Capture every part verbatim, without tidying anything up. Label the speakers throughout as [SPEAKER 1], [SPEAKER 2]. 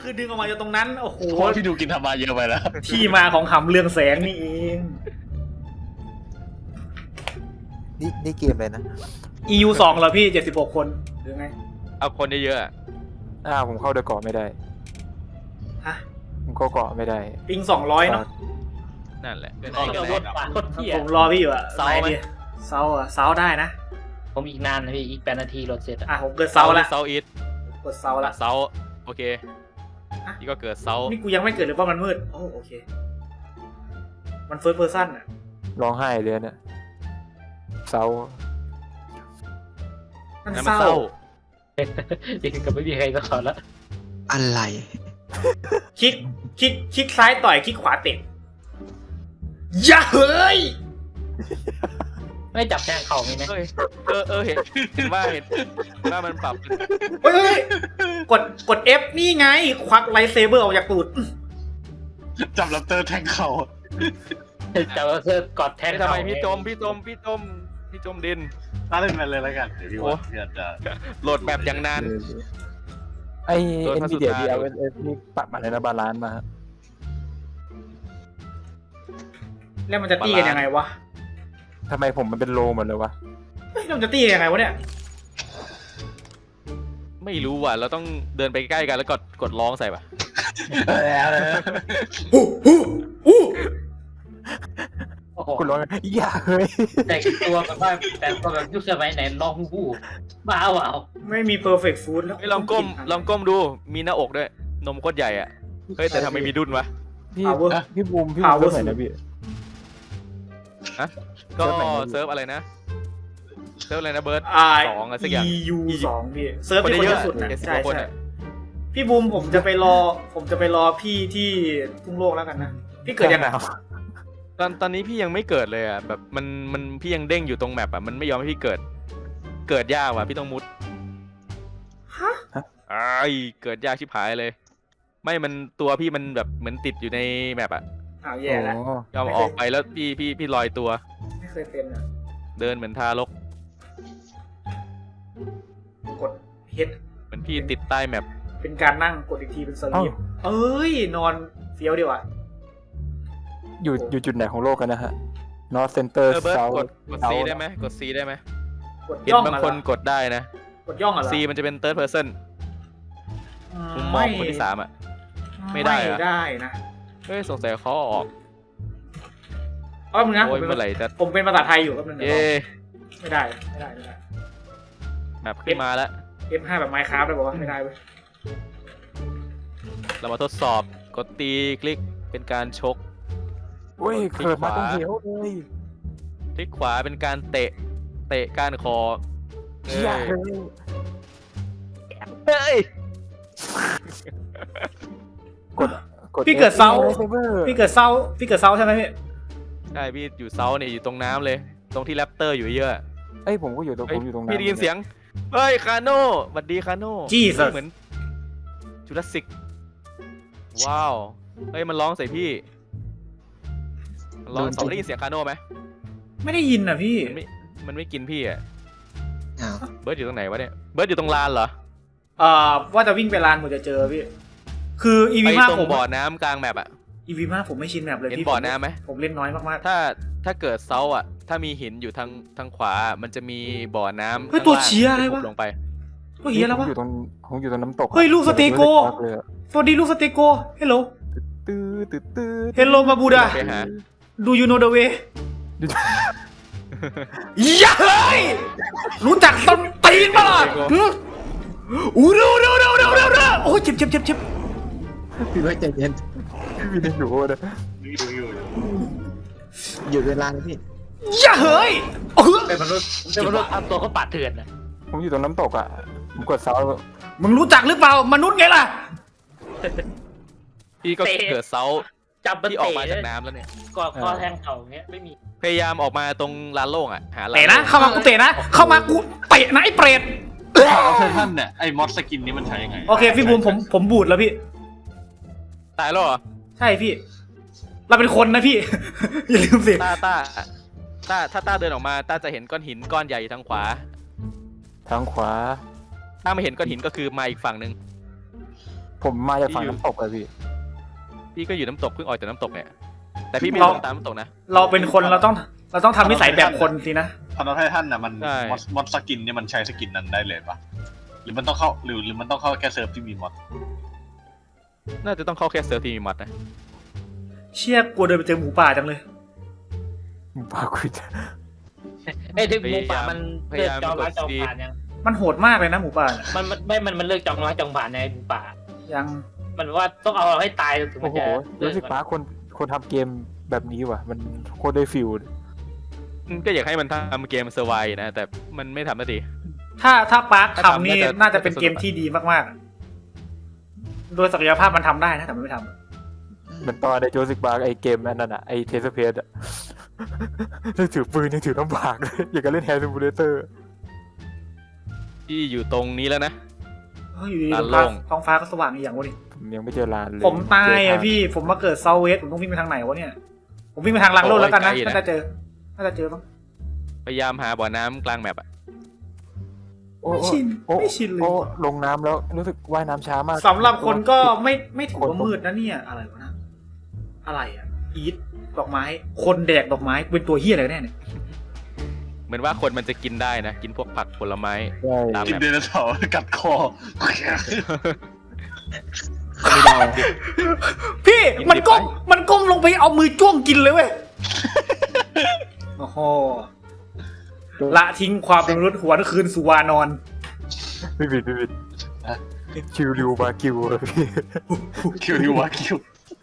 [SPEAKER 1] คือดึงออกมาจากตรงนั้นโอ้โห
[SPEAKER 2] โคตรพี่ดูกินทำมาเยอะไปแล้ว
[SPEAKER 1] ที่มาของหำเรืองแสงนี่เอง
[SPEAKER 3] นี่นี่เกมอะไรนะ
[SPEAKER 1] อี ยู สองเหรอพี่เจ็ดสิบหกคนหรือไง
[SPEAKER 4] เอาคนเยอะๆอะ
[SPEAKER 3] อ้าวผมเข้าเดอะเกาะไม่ได้
[SPEAKER 1] ฮะ
[SPEAKER 3] ผมเข้าเกาะไม่ได้
[SPEAKER 1] ปิงสองร้อยเนาะ
[SPEAKER 4] นั่นแหละ
[SPEAKER 5] ออกจากรถป่ะโคตรเที่ย
[SPEAKER 1] ผมรอพี่อยู่อะ
[SPEAKER 5] เซาไหม
[SPEAKER 1] นเซาอะเซาได้นะ
[SPEAKER 5] ผมอีกนานนะพี่อีกแปดนาทีรถเสร็จ
[SPEAKER 1] อ่ะผมเกิดเซาละ
[SPEAKER 4] เซาอีท
[SPEAKER 1] กดเซาละ
[SPEAKER 4] เซาโอเคนี่ก็เกิดเซา
[SPEAKER 1] นี่กูยังไม่เกิดหรือว่ามันมืดโอ้โอเค มันเฟิร์สเพอร์ซันอะ
[SPEAKER 3] ร้องไห้เลยเนี่ยเศร้า
[SPEAKER 1] มัน
[SPEAKER 4] นั่น
[SPEAKER 1] เศ
[SPEAKER 4] มัน
[SPEAKER 1] ร้า
[SPEAKER 4] เศร้า
[SPEAKER 5] จริงกับไม่มีใครก็ขอแล้ว
[SPEAKER 6] อะไร
[SPEAKER 1] คลิกคลิกคลิกซ้ายต่อยคลิกขวาเตะอย่าเฮ้ย
[SPEAKER 5] ไม่จับแทงเข่ามีไหม
[SPEAKER 4] เฮ้ยเออเออเห็นเห็นว่าเห็นว่ามันปรับ
[SPEAKER 1] เฮ้ยเฮ้ยกดกด F นี่ไง ควักไลท์เซเบอร์ออกจากตูด
[SPEAKER 2] จับลับเตอร์แทงเขา
[SPEAKER 5] จับเธอกอดแทง
[SPEAKER 4] ทำ
[SPEAKER 5] เข่า
[SPEAKER 4] ไมพี่จมพี่จมพี่จมพี่จมดิน
[SPEAKER 2] น่าเล่นมันเลยแล้วกันเดี๋ยวพี่ว่าพี่อาจจะ
[SPEAKER 4] โหลดแบบอย่างนาน
[SPEAKER 3] ไอ
[SPEAKER 4] โดน
[SPEAKER 3] เอ็น
[SPEAKER 4] พระสุ
[SPEAKER 3] วีเดีย
[SPEAKER 4] ธา
[SPEAKER 3] ดีเอลเอสนี่ปรับมาในนะบาลานซ์มา
[SPEAKER 1] แล้วมันจะตีกันยังไงวะ
[SPEAKER 3] ทำไมผมมันเป็นโลหมดเลยวะ
[SPEAKER 1] เฮ้ยแล้วมันจะตีกันยังไงวะเนี่ย
[SPEAKER 4] ไม่รู้ว่ะเราต้องเดินไปใกล้กันแล้วกดกดร้องใส่ป่ะ
[SPEAKER 1] ฮู้ฮู้ฮู้
[SPEAKER 5] โอ้โห
[SPEAKER 3] คุณร้องอย่าเฮ้ย
[SPEAKER 5] แต่งตัวแบบว่าแต่งตัวแบบยุคสมัยไหนลองหู้บ้าเปล่า
[SPEAKER 1] ไม่มี perfect food แล้ว
[SPEAKER 4] เฮ้ยลองก้มลองก้มดูมีหน้าอกด้วยนมโคตรใหญ่อ่ะเฮ้ยแต่ทำไมมีดุนวะ
[SPEAKER 3] พี่
[SPEAKER 1] Power
[SPEAKER 3] พี่บูมพี่บู
[SPEAKER 1] Power
[SPEAKER 3] มเซิร์ฟไหนนะพี่
[SPEAKER 4] ก็
[SPEAKER 3] เซิร์ฟไหนนะ
[SPEAKER 4] เซิร์ฟอะไรนะเซิร์ฟอะไรนะเบิร์ด
[SPEAKER 1] อ่า
[SPEAKER 4] สองอะไรสักอย่าง
[SPEAKER 1] อี ยู สองพี่เซิร์ฟที่คน
[SPEAKER 4] คนเย
[SPEAKER 1] เย
[SPEAKER 4] อะ
[SPEAKER 1] อะสุดนะ
[SPEAKER 4] เจ็ดสิบ
[SPEAKER 1] ใช่
[SPEAKER 4] กว่าคน
[SPEAKER 1] ใช่
[SPEAKER 4] อะ
[SPEAKER 1] พี่บูมผมจะไปรอ ผมจะไปรอพี่ที่ทุ่งโลกแล้วกันนะ พี่เกิดยังไง
[SPEAKER 4] ตอนตอนนี้พี่ยังไม่เกิดเลยอ่ะแบบมันมันพี่ยังเด้งอยู่ตรงแมปอ่ะมันไม่ยอมให้พี่เกิด เกิดยากว่ะพี่ต้องมุด
[SPEAKER 1] ฮะ
[SPEAKER 4] ไอ้ายเกิดยากชิบหายเลย ไม่มันตัวพี่มันแบบเหมือนติดอยู่ในแมปอ่ะ
[SPEAKER 1] อ้าวแย่แล้ว
[SPEAKER 3] โอ้
[SPEAKER 4] ยอมออกไปแล้วพี่พี่พี่ลอยตัว
[SPEAKER 1] ไม่เคยเป็นอ่ะ
[SPEAKER 4] เดินเหมือนทารก
[SPEAKER 1] กดเฮ็ด
[SPEAKER 4] เหมือนพี่ติดใต้แมป
[SPEAKER 1] เป็นการนั่งกดอีกทีเป็นสลีปเอ้ย นอนเฟี้ยวดีว่ะ
[SPEAKER 3] อยู่อยู่จุดไหนของโลกกันนะฮะ North Center
[SPEAKER 4] เออเบิร์ด
[SPEAKER 3] South
[SPEAKER 4] กดกด C ได้ไหมกด C ได้ไหม
[SPEAKER 1] กด
[SPEAKER 4] เห็น
[SPEAKER 1] ย่อง
[SPEAKER 4] บาง
[SPEAKER 1] อะ
[SPEAKER 4] คน
[SPEAKER 1] เหร
[SPEAKER 4] กดได้นะ
[SPEAKER 1] อกดย่องอะเหรอ
[SPEAKER 4] C มันจะเป็น third person มุมมองคนที่สามอ่ะ ไม่ได้เหรอ
[SPEAKER 1] ไม่ได้นะ
[SPEAKER 4] เฮ้ยสงสัยเขาเอาออก
[SPEAKER 1] เอ้ยมึงนะผ
[SPEAKER 4] โอ้
[SPEAKER 1] ม
[SPEAKER 4] ย
[SPEAKER 1] เป็น
[SPEAKER 4] เมื่อไหร่จะ
[SPEAKER 1] ผมเป็นภาษาไทยอยู่ก็มันง
[SPEAKER 4] เย่
[SPEAKER 1] ไม่ได้ไม่ได้ไม่ได้
[SPEAKER 4] แมปขึ้นมาแล้ว
[SPEAKER 1] เอฟ ห้า แบบ Minecraft เลยบอกว่าไม่ได้เว้ย
[SPEAKER 4] เรามาทดสอบกดตีคลิกเป็นการชก
[SPEAKER 3] เว้ย
[SPEAKER 4] คลิก
[SPEAKER 3] เกิดมา
[SPEAKER 4] ขวา
[SPEAKER 3] ต้องเหวเลย
[SPEAKER 4] คลิกขวาเป็นการเตะ เตะก้านคอเอ้
[SPEAKER 3] อย่าย เฮ้ย
[SPEAKER 4] เฮ้ย
[SPEAKER 3] กดกด
[SPEAKER 1] พี่เกิดเซา
[SPEAKER 3] F ซเบอร์
[SPEAKER 1] พี่เกิดเศร้าพี่เกิดเศร้าใช่ไหมพี่
[SPEAKER 4] ใช่พี่อยู่เซาเนี่ยอยู่ตรงน้ำเลย ตรงที่แรปเตอร์อยู่เยอะ
[SPEAKER 3] เอ้ยผมก็อยู่ตรง
[SPEAKER 4] เฮ้
[SPEAKER 3] ผ
[SPEAKER 4] ย
[SPEAKER 3] มอยู่ตรงนั้น
[SPEAKER 4] พี่ได้ยินเสียง เฮ้ยคาโน่สวัสดีคาโน่
[SPEAKER 1] Jesus
[SPEAKER 4] เหมือนจูราสสิกว้าว เฮ้ยมันร้องใส่พี่มันร้องสองได้ยินเสียงคาโน่ไหม
[SPEAKER 1] ไม่ได้ยินอ่ะพี่
[SPEAKER 4] มันไม่มันไม่กินพี่อ่ะ
[SPEAKER 6] อ้าว
[SPEAKER 4] เบิร์ดอยู่ตรงไหนวะเนี่ยเบิร์ดอยู่ตรงลานเหรอ
[SPEAKER 1] เอ่อว่าจะวิ่งไปลานผมจะเจอพี่ คือ อี
[SPEAKER 4] ไป
[SPEAKER 1] วี ห้า
[SPEAKER 4] ตร
[SPEAKER 1] ผ
[SPEAKER 4] ง
[SPEAKER 1] ม
[SPEAKER 4] บ่อน้ำกลางแมปอ่ะ
[SPEAKER 1] อี วี ห้าผมไม่ชินแบบเลย
[SPEAKER 4] เห็น
[SPEAKER 1] พี่
[SPEAKER 4] บ่อน้ำไหม
[SPEAKER 1] ผมเล่นน้อยมาก
[SPEAKER 4] ถ้าถ้าเกิดเซาอ่ะ ถ้ามีหินอยู่ทางทางขวา มันจะมีบ่อน้ำ
[SPEAKER 1] ๆเฮ้ยตัวเชียอะไรวะ
[SPEAKER 4] ลงไป
[SPEAKER 1] ตัวเฮียแล้ว
[SPEAKER 3] ผม
[SPEAKER 1] วะ
[SPEAKER 3] อยู่ตรงผมอยู่ตรงน้ำตก
[SPEAKER 1] เฮ้ยลูกสเตโก้
[SPEAKER 3] เลยอะ
[SPEAKER 1] สวัสดีลูกสเตโก้เฮลโล
[SPEAKER 3] ตื้อตื้อตื้อ
[SPEAKER 1] เฮลโลมาบูดา
[SPEAKER 4] ไปหา
[SPEAKER 1] ดูยูโนเดเวอย่าเฮ้ยรู้จักต้นตีนปะล่ะหึอู้เร็วเร็วเร็วเร็วเร็วเร็วโอ้ยเจ็บเจ็บเจ็บเจ็บ
[SPEAKER 6] พี่ว่าใจเย็น
[SPEAKER 3] พี่ได้อยู่นะ
[SPEAKER 2] ดูอยู่อยู่
[SPEAKER 6] อยู่เวลาเลยพี่
[SPEAKER 1] อย่าเฮ้ยเออ
[SPEAKER 5] เป็นมนุษย์เป็นมนุษย์ทำตัวเขาปาดเถื่อนนะ
[SPEAKER 3] ผมอยู่ตรงน้ำตกอ่ะผมกดเซา
[SPEAKER 1] มึงรู้จักหรือเปล่ามนุษย์ไงล่ะ
[SPEAKER 4] พี่ก็เกิดเซา
[SPEAKER 5] จับมัน
[SPEAKER 4] ที่ออก
[SPEAKER 5] เตะ
[SPEAKER 4] มาจากน้ำแล้วเนี่ย
[SPEAKER 5] กอดคอแทงเข่าอย่างเงี้ยไม่มี
[SPEAKER 4] พยายามออกมาตรงลานโล่งอ่ะ หาลาน
[SPEAKER 1] เตะนะ
[SPEAKER 4] โล่ง
[SPEAKER 1] เข้ามากูเตะนะ เข้ามากูเตะนะไอ้เปรต
[SPEAKER 2] เอาเทอร์ท่านเนี่ยไอ้มอสสกินนี้มันใช้ยังไง
[SPEAKER 1] โอเคพี่บูมผมผมบูดแล้วพี่
[SPEAKER 4] ตายแล้วเหรอ
[SPEAKER 1] ใช่พี่ เราเป็นคนนะพี่ อย่าลืมสิ
[SPEAKER 4] ต้าต้าต้าถ้าต้าเดินออกมาต้าจะเห็นก้อนหินก้อนใหญ่อยู่ทางขวา
[SPEAKER 3] ทางขวา
[SPEAKER 4] ถ้าไม่เห็นก้อนหินก็คือมาอีกฝั่งหนึ่ง
[SPEAKER 3] ผมมาจากฝั่งน้ำตกเลยพี่
[SPEAKER 4] พี่ก็อยู่น้ำตกเพิ่งออกจากน้ำตกเนี่ยแต่พี่ไม่
[SPEAKER 1] เรา
[SPEAKER 4] ลงตามน้ำตกนะ
[SPEAKER 1] เราเป็นคนเราต้องเราต้องทำนิสัยแบบคนสินะ
[SPEAKER 2] พอนอตไททันน่ะมัน
[SPEAKER 4] ใช่
[SPEAKER 2] มอสมอสสกินเนี่ยมันใช้สกินนั้นได้เลยปะหรือมันต้องเข้าหรือหรือมันต้องเข้าแค่เซิร์ฟที่มีมอส
[SPEAKER 4] น่าจะต้องเข้าแค่เซิร์ฟที่มีมัดนะ
[SPEAKER 1] เชี่ยกลัวเดินไปเจอหมูป่าจังเลย
[SPEAKER 3] ปาคุย
[SPEAKER 5] ไอ้ที่หมูป่ามันเลือกจองร้านจองผ่านยัง
[SPEAKER 1] มันโหดมากเลยนะหมูป่าเนี่ย
[SPEAKER 5] มันมันไม่มันมันเลือกจองร้านจองผ่านในหมูป่า
[SPEAKER 1] ยัง
[SPEAKER 5] มันว่าต้องเอาเราให้ตายถึงมั
[SPEAKER 3] โอ้
[SPEAKER 5] น
[SPEAKER 3] โห
[SPEAKER 5] จะเลิ
[SPEAKER 3] รู้
[SPEAKER 5] ก
[SPEAKER 3] สึกป้าคนคนทำเกมแบบนี้ว่ะ มันโคตรได้ฟิล
[SPEAKER 4] อืมก็อยากให้มันทำเกมเซอร์ไวนะแต่มันไม่ทำนาที
[SPEAKER 1] ถ้าถ้าปาร์ค
[SPEAKER 4] ถ้าทำ
[SPEAKER 1] ทำนี่
[SPEAKER 4] น่าจะ
[SPEAKER 1] น่าจะเป็นเกมที่ดีมากๆ โดยศักยภาพมันทำได้นะแต่มันไม่ทำ
[SPEAKER 3] เหมือนตอนในโจสิกบาร์ไอเกมอันนั้นอะไอเทสเพสอะ ยังถือปืนยังถือน้ำบากเลยอย่างกับเล่นแฮร์ซิมูเลเตอร์
[SPEAKER 4] ที่อยู่ตรงนี้แล้วนะ
[SPEAKER 1] เฮ้ยอยู่ดี
[SPEAKER 4] ลาน
[SPEAKER 1] ท้อง
[SPEAKER 4] โล่
[SPEAKER 1] ฟ้าง ท้องฟ้าก็สว่างอีกอย่างวะนี่
[SPEAKER 3] ผมยังไม่เจอร้านเลย
[SPEAKER 1] ผมตายอ่ะพี่ผมมาเกิดเซาเวสผมต้องวิ่งไปทางไหนวะเนี่ย ผมวิ่งไปทางลังโลดแล้วกันนะน่าจะเจอน่าจะเจอบ้าง
[SPEAKER 4] พยายามหาบ่อน้ำกลางแมปอะ
[SPEAKER 3] โอ้
[SPEAKER 1] ไม่
[SPEAKER 3] โอ้
[SPEAKER 1] ชิน
[SPEAKER 3] โอ้
[SPEAKER 1] ไม่ชินเลย
[SPEAKER 3] โอ้ลงน้ำแล้วรู้สึกว่ายน้ำช้ามาก
[SPEAKER 1] สำหรับคนก็ไม่ไม่ถือว่ามืดนะเนี่ยอะไรวะนะอะไรอ่ะอีทดอกไม้ คนแดกดอกไม้เป็นตัวเฮียอะไรกันแน่เนี่ย
[SPEAKER 4] เหมือนว่าคนมันจะกินได้นะ กินพวกผักผลไม้
[SPEAKER 3] ใช่
[SPEAKER 4] ตาม
[SPEAKER 2] กินไดโนเสาร์กัดคอ
[SPEAKER 3] ไม่ได้
[SPEAKER 1] พี่มันก้มมันก้มลงไปเอามือจ้วงกินเลยเว้ยโอ้โหละทิ้งความเป็นมนุษย์หัวนคืนสู่วานอน
[SPEAKER 3] ไม่ผิดไม่ผิดคิวริวบาคิวเลยพี่
[SPEAKER 2] คิวดิวะคิว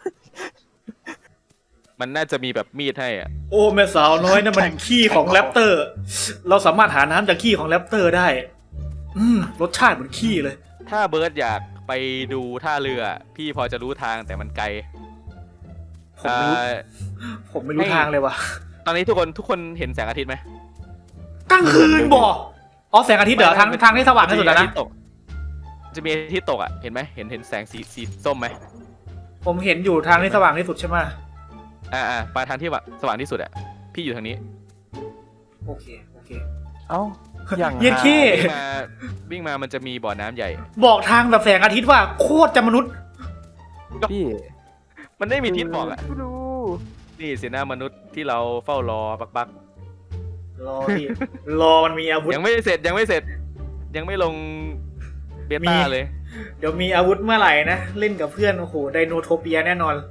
[SPEAKER 4] มันน่าจะมีแบบมีดให้อ่ะ
[SPEAKER 1] โอ้แม่สาวน้อยนั่นมันขี้ของแรปเตอร์ เราสามารถหาน้ำจากขี้ของแรปเตอร์ได้ อืมรสชาติเหมือนขี้เลย
[SPEAKER 4] ถ้าเบิร์ดอยากไปดูท่าเรือ พี่พอจะรู้ทางแต่มันไกล
[SPEAKER 1] ผมไม่รู้
[SPEAKER 4] เอ่อ
[SPEAKER 1] ผมไม่รู้ทางเลยว่ะ
[SPEAKER 4] ตอนนี้ทุกคนทุกคนเห็นแสงอาทิตย์ไหม
[SPEAKER 1] กลางคืนบ่อ๋อแสงอาทิตย์เหรอทางทางที่สว่างที่สุดแล้วนะ
[SPEAKER 4] จะมีอาทิตย์ตกอ่ะเห็นไหมเห็นเห็นแสงสีสีส้มไหม
[SPEAKER 1] ผมเห็นอยู่ทางที่สว่างที่สุดใช่ไหม
[SPEAKER 4] อ่าอ่าไปทางที่ว่าสว่างที่สุดอ่ะพี่อยู่ทางนี้
[SPEAKER 1] โอเคโอเค
[SPEAKER 3] เอ้าอย่าง
[SPEAKER 1] เย็นขี้
[SPEAKER 4] วิ่งมาวิ่งมามันจะมีบ่อน้ำใหญ่
[SPEAKER 1] บอกทางแบบแสงอาทิตย์ว่าโคตรจะมนุษย์
[SPEAKER 3] พี่
[SPEAKER 4] มันไม่มีทิศบอกอ่ะ
[SPEAKER 3] ไม่รู้
[SPEAKER 4] นี่สินะมนุษย์ที่เราเฝ้ารอบักบัก
[SPEAKER 1] รอพี่รอมันมีอาวุธ
[SPEAKER 4] ยังไม่เสร็จยังไม่เสร็จ ยังไม่ลงเบต้า
[SPEAKER 1] มี
[SPEAKER 4] เลย
[SPEAKER 1] เดี๋ยวมีอาวุธเมื่อไหร่นะ เล่นกับเพื่อน โอ้โห ไดโนโทเปียแน่นอน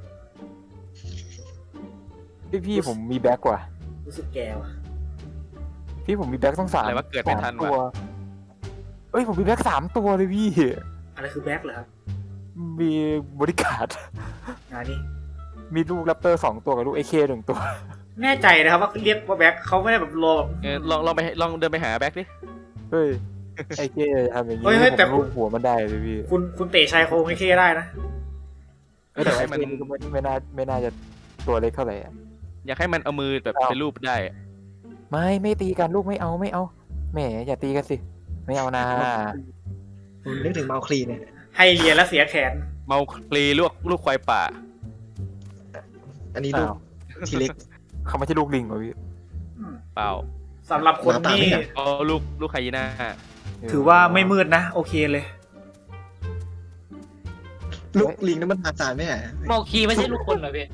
[SPEAKER 3] พี่พี่ผมมีแบ็กว่ะ
[SPEAKER 1] รู้สึกแก่ว่ะ
[SPEAKER 3] พี่ผมมีแบ็กต้องสาม
[SPEAKER 4] อะไรวะเกิดไม่ทัน
[SPEAKER 3] สาตัว
[SPEAKER 4] วะ
[SPEAKER 3] เอ้ยผมมีแบ็กสามตัวเลยพี่
[SPEAKER 1] อะไรคือแบ็คเหรอครับ
[SPEAKER 3] มีบริการด
[SPEAKER 1] งานนี้
[SPEAKER 3] มีลูกแรปเตอร์สองตัวกับลูกเอเคหนึ่งตัว
[SPEAKER 1] แน่ใจนะครับว่าเรียกว่าแบ็คเขาไม่ได้แบบรอ
[SPEAKER 4] เออลองลองไปลองเดินไปหาแบ็คดิ
[SPEAKER 3] เฮ้ยไอเคทำอย่างนี้
[SPEAKER 1] เฮ้ยเฮ้ยแต่
[SPEAKER 3] ผมลูกหัวมันได้เลยพี่
[SPEAKER 1] คุณคุณเตะชายโครงไอ้เคได้นะ
[SPEAKER 3] เอ้ยแต่
[SPEAKER 4] ให้
[SPEAKER 3] ไอ
[SPEAKER 4] มัน
[SPEAKER 3] เคก็ไม่ไม่น่าไม่น่าจะตัวเล็กเท่าไหร่อะ
[SPEAKER 4] อยากให้มันเอามือแบบ
[SPEAKER 3] อ้าว
[SPEAKER 4] เป็นรูปได้อะ
[SPEAKER 3] ไม่ไม่ตีกันลูกไม่เอาไม่เอาแหมอย่าตีกันสิ ไม่เอานะ
[SPEAKER 6] ผมนึกถึงเมาคลีเนี่ย
[SPEAKER 1] ให้เรียนแล้วเสียแขน
[SPEAKER 4] เมาคลีลูกลูกควายป่า
[SPEAKER 6] อันนี้ลูก
[SPEAKER 3] อ้าว
[SPEAKER 6] ทีเล็ก
[SPEAKER 3] เขาไม่ใช่ลูกลิงเหรอพี่
[SPEAKER 4] เปล่า
[SPEAKER 1] สำหรับคน
[SPEAKER 6] หน้าตา
[SPEAKER 1] ที่
[SPEAKER 6] ไม่เหมือน
[SPEAKER 4] เอาลูกลูกไฮยีน่า
[SPEAKER 1] ถือว่าไม่มืดนะ โอเคเลย
[SPEAKER 6] ลูกลิงนั้นมันอาสารไม่ใช่
[SPEAKER 5] เมาคีไม่ใช่ลูกคนเหรอพี่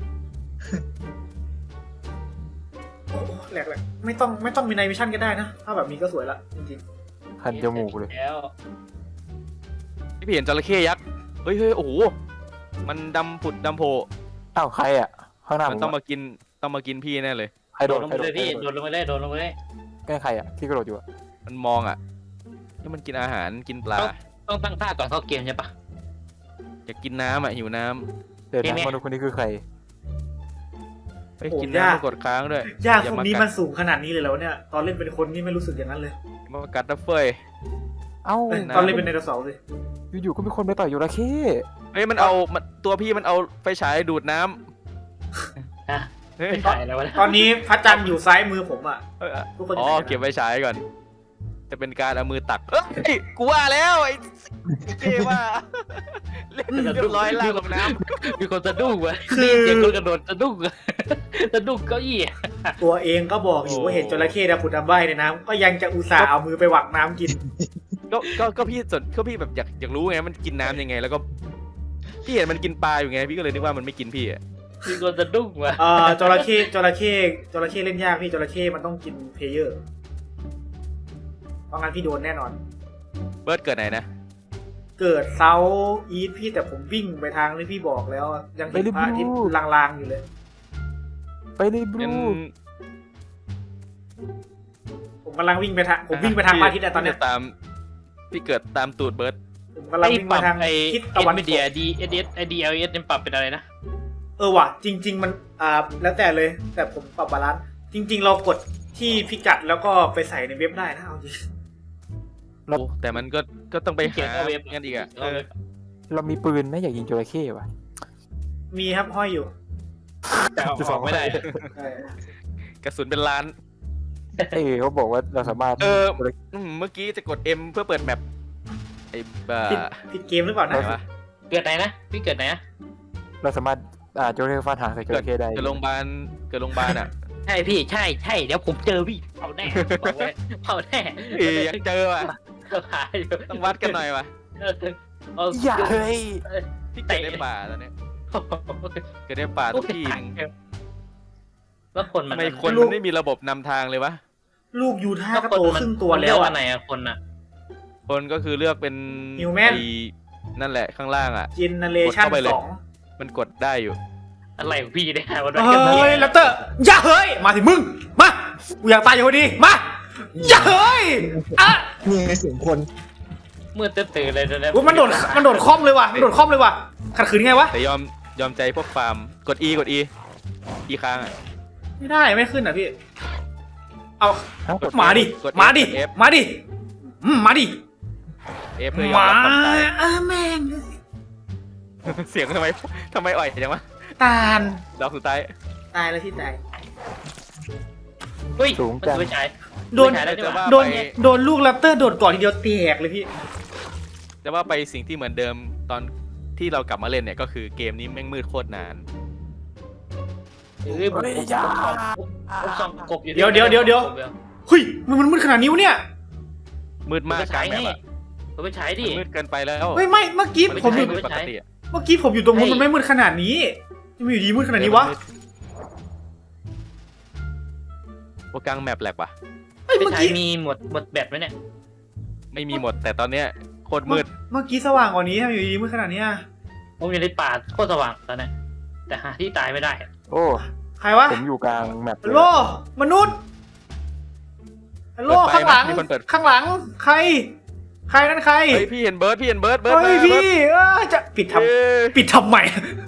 [SPEAKER 1] โอ้แหลกเลยไม่ต้องไม่ต้องมีไนมิชั่นก็ได้นะ ถ้าแบบนี้ก็สวยละจริง
[SPEAKER 3] คันจมูกเลย
[SPEAKER 5] แล้ว
[SPEAKER 4] พี่เห็นจระเข้ยักษ์เฮ้ยเฮ้ยโอ้โหมันดำผุดดำโผล่
[SPEAKER 3] อ้าวใครอ่ะข้างหน้า
[SPEAKER 4] มัน
[SPEAKER 3] ผม
[SPEAKER 4] ต้อง
[SPEAKER 3] อะ
[SPEAKER 4] มากินต้องมากินพี่แน่เลย
[SPEAKER 3] ใครโด
[SPEAKER 5] โด
[SPEAKER 3] ด
[SPEAKER 5] ดลง
[SPEAKER 3] ใคร
[SPEAKER 5] ไป
[SPEAKER 3] โด
[SPEAKER 5] เล
[SPEAKER 3] ด
[SPEAKER 5] ยพี่โดดลงไปเลยโดดลงไปเลย
[SPEAKER 3] ใกล้ใครอ่ะที่กระโดดอยู่อ่ะ
[SPEAKER 4] มันมองอ่ะที่มันกินอาหารกินปลา
[SPEAKER 5] ต้องตั้งท่าก่อนเข้าเกมใช่ปะ
[SPEAKER 4] อยากกินน้ำอ่ะหิวน้ำ
[SPEAKER 3] เดี๋ยว
[SPEAKER 5] เห็นไหม
[SPEAKER 3] นะมนุษย์คนนี้คือใคร
[SPEAKER 4] ไปกินน้ำมากดค้างด้วย
[SPEAKER 1] ๆยาก
[SPEAKER 4] อย่า
[SPEAKER 1] พวก
[SPEAKER 4] มา
[SPEAKER 1] นี้
[SPEAKER 4] กั
[SPEAKER 1] มั
[SPEAKER 4] ด
[SPEAKER 1] นสูงขนาดนี้เลยแล้วเนี่ย ตอนเล่นเป็นคนนี่ไม่รู้สึกอย่างนั้นเลย
[SPEAKER 4] มากัดนะเฟย
[SPEAKER 3] เอ้า
[SPEAKER 1] เอ้ย
[SPEAKER 4] นะ
[SPEAKER 1] ตอนเล่นเป็นไดโนเสาร์สิ
[SPEAKER 3] อยู่ๆก็มีคนไปต่อยยูราเข้
[SPEAKER 4] เฮ้ยมันเอามันตัวพี่มันเอาไฟฉายดูดน้
[SPEAKER 5] ฮะ
[SPEAKER 4] ำเฮ้ย
[SPEAKER 5] เป็นถ่ายแล้ววะ
[SPEAKER 1] ตอนนี้พระจันทร์อยู่ซ้ายมือผมอ่ะ
[SPEAKER 4] เอ้ย
[SPEAKER 1] ทุกคน
[SPEAKER 4] อ๋อ
[SPEAKER 1] จะ
[SPEAKER 4] เก็บไฟฉายก่อน จะเป็นการเอามือตักเฮ้ยกูว่าแล้วไอ้เกว่าเล่นเรียบร้อยล่างลงน้ำ
[SPEAKER 5] มีคนสะดุ้งวะนี่เสียงคนกระโดดสะดุ้งสะดุ้งเก้าอี้
[SPEAKER 1] ตัวเองก็บอกอยู่ว่าเห็นจระเข้ดำผุดดำว่ายในน้ำก็ยังจะอุตส่าห์เอามือไปหวักน้ำกิน
[SPEAKER 4] ก็ก็ก็พี่สนก็พี่แบบอยากอยากรู้ไงมันกินน้ำยังไง แล้วก็พี่เห็นมันกินปลาอยู่ไงพี่ก็เลยนึกว่ามันไม่กินพี่อะ
[SPEAKER 5] มีคนสะดุ้งว่ะ
[SPEAKER 1] เอ่อจระเข้จระเข้จระเข้เล่นยากพี่จระเข้มันต้องกินเพลเยอร์เพราะงั้นพี่โดนแน่นอน
[SPEAKER 4] เบิร์ดเกิดไหนนะ
[SPEAKER 1] เกิดเซาอีทพี่แต่ผมวิ่งไปทางที่พี่บอกแล้ว ยังเห็นพระอาทิตย์ลางๆอยู่เลย
[SPEAKER 3] ไปเลยบ
[SPEAKER 4] งั้น
[SPEAKER 3] ลู
[SPEAKER 1] ผมกำลังวิ่งไปทางผมวิ่งไปทางพระอาทิตย์อะตอนเนี้ย
[SPEAKER 4] พี่ตามพี่เกิดตามตูดเบิร์ด
[SPEAKER 1] ผมกำลัง
[SPEAKER 5] ไอ้
[SPEAKER 1] วิ่ง
[SPEAKER 5] ป
[SPEAKER 1] ไป
[SPEAKER 5] รับ
[SPEAKER 1] ทาง
[SPEAKER 5] ไอ้
[SPEAKER 1] ทิศ
[SPEAKER 5] เอ็
[SPEAKER 1] ตะ
[SPEAKER 5] น
[SPEAKER 1] วัน
[SPEAKER 5] วี
[SPEAKER 1] ต
[SPEAKER 5] เดีย
[SPEAKER 1] ก
[SPEAKER 5] ดีเอสเอสไอดีเอลเอสเนี่ยปรับเป็นอะไรนะ
[SPEAKER 1] เออว่ะจริง ๆ มันอ่าแล้วแต่เลย แต่ผมปรับบาลานซ์จริง ๆ เรากดที่พิกัดแล้วก็ไปใส่ในเว็บได้นะเอาจริง
[SPEAKER 4] โอ้แต่มันก็ก็ต้องไป
[SPEAKER 5] เขีย
[SPEAKER 4] หาน
[SPEAKER 5] เอาเว็บ
[SPEAKER 4] งั้นอีกอะเออ
[SPEAKER 3] เรามีปืนไหมอยากยิงจระเข้ว่ะ
[SPEAKER 1] มีครับห้อยอยู่
[SPEAKER 5] แต่เอาออกไม่ได้
[SPEAKER 1] ใช่
[SPEAKER 4] กระสุนเป็นล้าน
[SPEAKER 3] เอ้ยเขาบอกว่าเราสามารถ
[SPEAKER 4] เออ อืมเมื่อกี้จะกด M เพื่อเปิดแมปไอ้บ้า
[SPEAKER 1] ผิดผิดเกมหรือเปล่า
[SPEAKER 4] ไหน
[SPEAKER 1] นะ
[SPEAKER 4] วะ
[SPEAKER 5] เกิดไหนนะพี่เกิดไหนนะ
[SPEAKER 3] เราสามารถอ่าจระเข้ฟาดหางใส่จระเข้ได้
[SPEAKER 4] เกิดโรงพยาบาลเกิดโรงพยาบาลอ่ะ
[SPEAKER 5] ใช่พี่ใช่ใช่เดี๋ยวผมเจอพี่เผาแน่บอกไว้เผาแน่
[SPEAKER 4] เอ้ยยังเจอว่ะ
[SPEAKER 5] หายอยู่
[SPEAKER 4] ต้องวัดกันหน่อยว่ะ
[SPEAKER 5] เออเอา
[SPEAKER 3] อย่าเฮ้ย
[SPEAKER 4] พี่เกิดในป่าตอนเนี้ยเกิดในป่าทุกที่หนึ่ง
[SPEAKER 5] แล้วคนมั
[SPEAKER 4] ทำ
[SPEAKER 5] น
[SPEAKER 4] ไมคนมันไม่มีระบบนำทางเลยวะ
[SPEAKER 1] ลูกยูท่า
[SPEAKER 5] แล้ว
[SPEAKER 1] ก็
[SPEAKER 5] คน
[SPEAKER 1] โต
[SPEAKER 5] มัน
[SPEAKER 1] ครึ่งตัว
[SPEAKER 5] มัน
[SPEAKER 1] แล้
[SPEAKER 5] เลือ
[SPEAKER 1] ว
[SPEAKER 5] ก
[SPEAKER 1] อะ
[SPEAKER 5] อันไหนอะคนอะ
[SPEAKER 4] คนก็คือเลือกเป็น
[SPEAKER 1] Human
[SPEAKER 4] ไอ้นั่นแหละข้างล่างอ่ะ
[SPEAKER 1] เจเนเรชั่น
[SPEAKER 4] กดเข้าไปเลย
[SPEAKER 1] สอง
[SPEAKER 4] มันกดได้อยู่
[SPEAKER 5] อะไรของพี่เนี่ยวัน
[SPEAKER 1] เฮ้ยแรปเตอร์อย่าเฮ้ยมาสิมึงมากูอยากตายอยู่พอดีมาอย่าเฮ้ยอ่ะ
[SPEAKER 6] นี่ไงเสียงคน
[SPEAKER 5] มืดตื่นเลยนะ
[SPEAKER 1] อุ๊ยมันโดดมันโดดคล่อมเลยว่ะมันโดดคล่อมเลยว่ะขัดขืนไงวะ
[SPEAKER 4] แต่ยอมยอมใจพวกฟาร์มกด E กด E E ค้างอ่ะ
[SPEAKER 1] ไม่ได้ไม่ขึ้นอ่ะพี่เอา
[SPEAKER 3] ฮะกด
[SPEAKER 1] มาดิ
[SPEAKER 4] กด F
[SPEAKER 1] มาดิ
[SPEAKER 4] กด F
[SPEAKER 1] มาดิอืมมาดิ
[SPEAKER 4] F เพื่อยอม
[SPEAKER 1] มา
[SPEAKER 4] รับความตาย
[SPEAKER 1] อ่ะแม่ง
[SPEAKER 4] เสียงทำไมทำไมอ่อยจังวะ
[SPEAKER 1] ตาล
[SPEAKER 4] ดอกสุดท้าย
[SPEAKER 1] ตายแล้วที่ตาย
[SPEAKER 5] เฮ้ยมันไม่ใช่
[SPEAKER 1] โดน
[SPEAKER 5] ไม่ใช่แล้วดีกว่า
[SPEAKER 1] โดนโดนลูกแรปเตอร์โดดก่อนทีเดียวแตกเลยพี่
[SPEAKER 4] แต่ว่าไปสิ่งที่เหมือนเดิมตอนที่เรากลับมาเล่นเนี่ยก็คือเกมนี้แม่งมืดโคตรนาน
[SPEAKER 5] เฮ้ยผมผมผมส่องกบอยู่
[SPEAKER 1] เดี๋ยวเดี๋ยวเดี๋ยวเดี๋ยว เฮ้ยมันมันมืดขนาดนี้วะเนี่ย
[SPEAKER 4] มืด
[SPEAKER 5] มาม
[SPEAKER 4] าก
[SPEAKER 5] ใช้
[SPEAKER 4] กลางแบบ
[SPEAKER 5] นี่
[SPEAKER 4] อะ
[SPEAKER 5] ผมไปใช้ดิ
[SPEAKER 4] มันมืดเกินไปแล้ว
[SPEAKER 1] เฮ้ยไม่เมื่อกี้
[SPEAKER 4] มัน
[SPEAKER 1] ผมอ
[SPEAKER 4] ไม่
[SPEAKER 1] ยู่
[SPEAKER 4] ใช่มืดปกติอะ
[SPEAKER 1] เมื่อกี้ผมอยู่ตรงนู้นมันไม่มืดขนาดนี้ทำไมอยู่ดีมืดขนาดนี้วะ
[SPEAKER 4] โปรกลางแมปแหลกปะ
[SPEAKER 1] เฮ้ย
[SPEAKER 5] ไป
[SPEAKER 1] เมื่อ
[SPEAKER 5] ใช้
[SPEAKER 1] กี้
[SPEAKER 5] มีหมดหมดแบตไหมเนี่ย
[SPEAKER 4] ไม่มีหมดแต่ตอนเนี้ยโคตรมืด
[SPEAKER 1] เมื่อกี้สว่างกว่านี้ทำไมอยู่ดีมืดขนาดเนี้ย
[SPEAKER 5] ผมอยู่ในป่าโคตรสว่างตอนนี้แต่หาที่ตายไม่ได้
[SPEAKER 3] โอ้
[SPEAKER 1] ใครวะ
[SPEAKER 3] ผมอยู่กลางแมป
[SPEAKER 1] ฮัลโหลมนุษย์ฮัลโหล
[SPEAKER 4] เปิดไฟ
[SPEAKER 1] ข้างหลัง
[SPEAKER 4] ไหมมีคนเปิด
[SPEAKER 1] ข้างหลังใคร ใครนั่นใคร
[SPEAKER 4] เฮ้ยพี่เห็นเบิร์ดพี่เห็นเบิร์ดเบิร์ด
[SPEAKER 1] เฮ้ย
[SPEAKER 4] มาเบิร์ด
[SPEAKER 1] พี่เออจะปิดท
[SPEAKER 4] เอ้ย
[SPEAKER 1] ำปิดทำใหม่